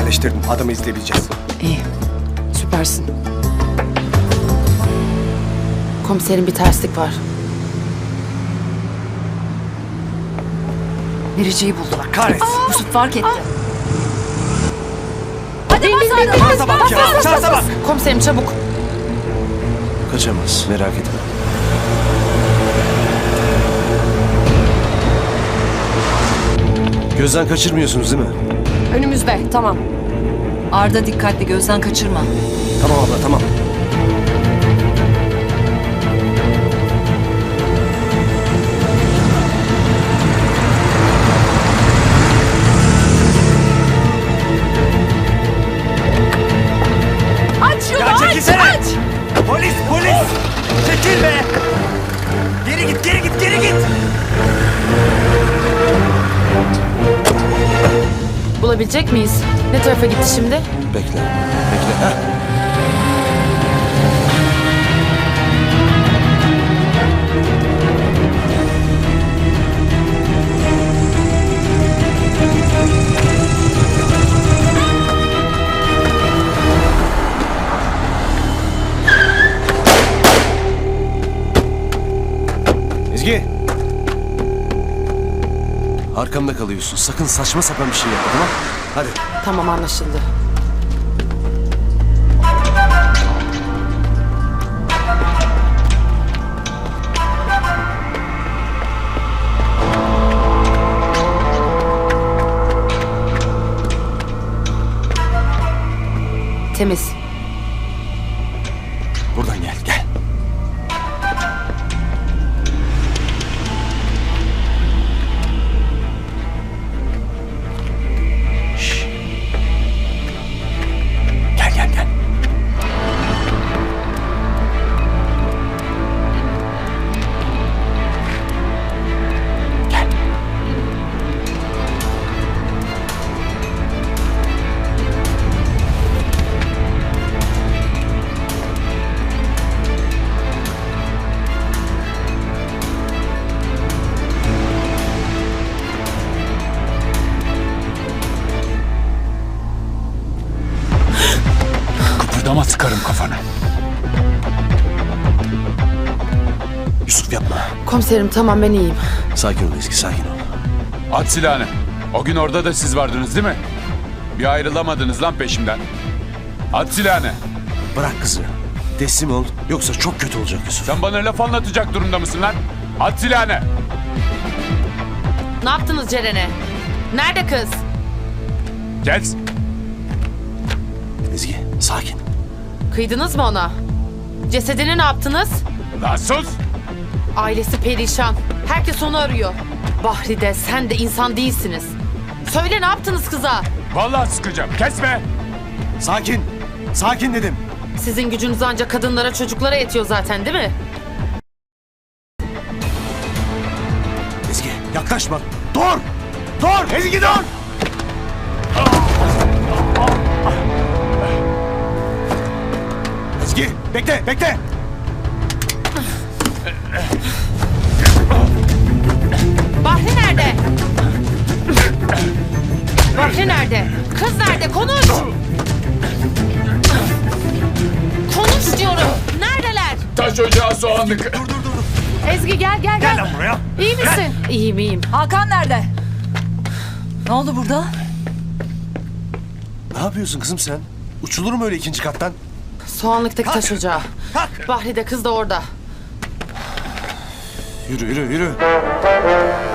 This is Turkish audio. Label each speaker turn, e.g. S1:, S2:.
S1: yerleştirdim. Adamı izleyebileceğiz.
S2: İyi. Süpersin. Komiserim bir terslik var.
S3: Biriciyi buldular.
S1: Kahretsin.
S3: Yusuf fark etti.
S2: Hadi
S1: Şansa bak ya. Şansa bak.
S2: Komiserim çabuk.
S4: Kaçamaz, merak etme. Gözden kaçırmıyorsunuz değil mi?
S3: Önümüzde. Tamam. Arda dikkatli, gözden kaçırma.
S4: Tamam abla, tamam.
S3: Aç yolu,
S1: Ya çekilsene.
S3: aç!
S1: Polis, polis. Çekil be. Geri git, geri git, geri git.
S2: Bulabilecek miyiz? Ne tarafa gitti şimdi?
S4: Bekle, bekle. Heh. Ezgi! Arkamda kalıyorsun. Sakın saçma sapan bir şey yapma, tamam? Hadi.
S2: Tamam, anlaşıldı. Temiz.
S4: Buradan gel, gel. Şşş. Gel, gel, gel. Gel.
S5: Kıpırdama, sıkarım kafanı.
S4: Yusuf yapma.
S2: Komiserim tamam, ben iyiyim.
S4: Sakin ol Ezgi, sakin ol.
S5: At silahını. O gün orada da siz vardınız değil mi? Bir ayrılamadınız lan peşimden. At silahını.
S4: Bırak kızı. Teslim ol. Yoksa çok kötü olacak Yusuf.
S5: Sen bana laf anlatacak durumda mısın lan? At silahını.
S2: Ne yaptınız Ceren'e? Nerede kız?
S5: Kes.
S4: Ezgi, sakin.
S2: Kıydınız mı ona? Cesedini ne yaptınız?
S5: Lan sus.
S2: Ailesi perişan. Herkes onu arıyor. Bahri de sen de insan değilsiniz. Söyle, ne yaptınız kıza?
S5: Vallahi sıkacağım. Kesme.
S4: Sakin. Sakin dedim.
S2: Sizin gücünüz ancak kadınlara, çocuklara yetiyor zaten, değil mi?
S4: Ezgi, yaklaşma. Dur! Dur! Ezgi dur! Ezgi, bekle, bekle!
S2: Bahri nerede? Bahri nerede? Kız nerede? Konuş! Konuş diyorum. Neredeler?
S5: Taş ocağı soğanlık.
S2: Ezgi gel.
S1: Gel lan buraya.
S2: İyi misin? İyiyim.
S3: Hakan nerede? Ne oldu burada?
S4: Ne yapıyorsun kızım sen? Uçulur mu öyle ikinci kattan?
S2: Soğanlıktaki taş ocağı.
S1: Kalk.
S2: Bahri de kız da orada.
S4: Yürü, yürü, yürü.